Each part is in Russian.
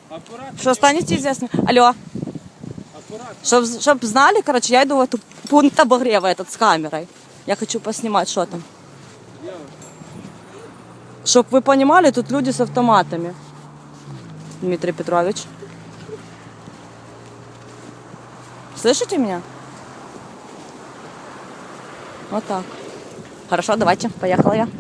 Аккуратно. Что станете известны? Алло. Аккуратно. Чтоб знали, короче, я иду в эту пункт обогрева этот с камерой. Я хочу поснимать, что там. Чтоб вы понимали, тут люди с автоматами. Дмитрий Петрович. Слышите меня? Вот так. Хорошо, давайте, поехала я.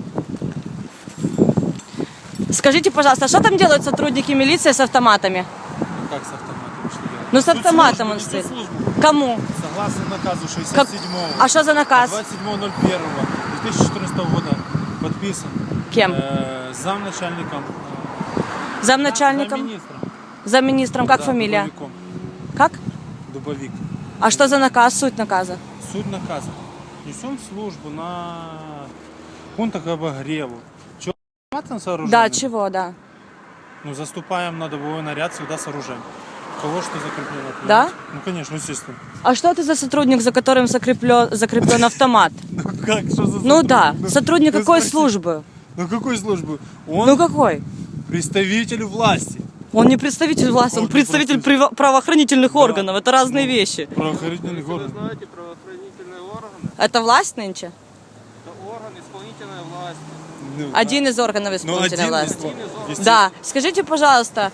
Скажите, пожалуйста, что там делают сотрудники милиции с автоматами? Как с автоматом? Что делать? Ну, с автоматом он стоит. Кому? Согласно наказу 67-го. А что за наказ? 27.01.2014 года подписан. Кем? Замначальником. Замначальником? Замминистром. Замминистром. Как Да, фамилия? Дубовиком. Как? Дубовик. А что за наказ, суть наказа? Суть наказа. Несем службу на пунктах обогреву. Чего автоматом сооруженным? Да, чего, да. Ну, заступаем на добовой наряд всегда с оружием. Кого что закреплено? Понимаете? Да? Ну, конечно, естественно. А что ты за сотрудник, за которым закреплен автомат? Ну, как? Что за Ну да, Ну, сотрудник ну, какой спроси. службы? Ну, какой службы? Он Ну какой? представитель власти. Он не представитель власти, он Он не представитель представитель. правоохранительных Да. органов. Это разные Ну, вещи. Правоохранительный Вы орган. знаете, правоохранительные органы – Это власть нынче? это орган исполнительной власти. Ну, Один из органов ну, исполнительной один власти. из органов. Естественно. Да, скажите, пожалуйста,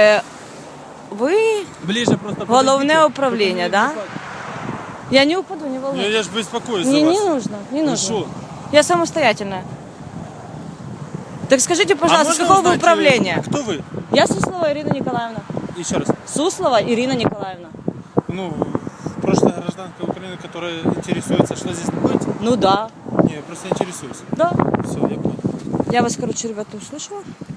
вы Ближе просто головное управление, да? Я не упаду, не волнуйтесь. Я же беспокоюсь Не, за вас. не нужно, не Ну нужно. что? Я самостоятельная. Так скажите, пожалуйста, с можно какого вы узнать, управления? Кто вы? Я Суслова Ирина Николаевна. Еще раз. Суслова Ирина Николаевна. Ну, прошлая гражданка Украины, которая интересуется, что здесь будет? Ну да. Не, я просто интересуюсь. Да. Все, я понял. Я вас, короче, ребята, услышала.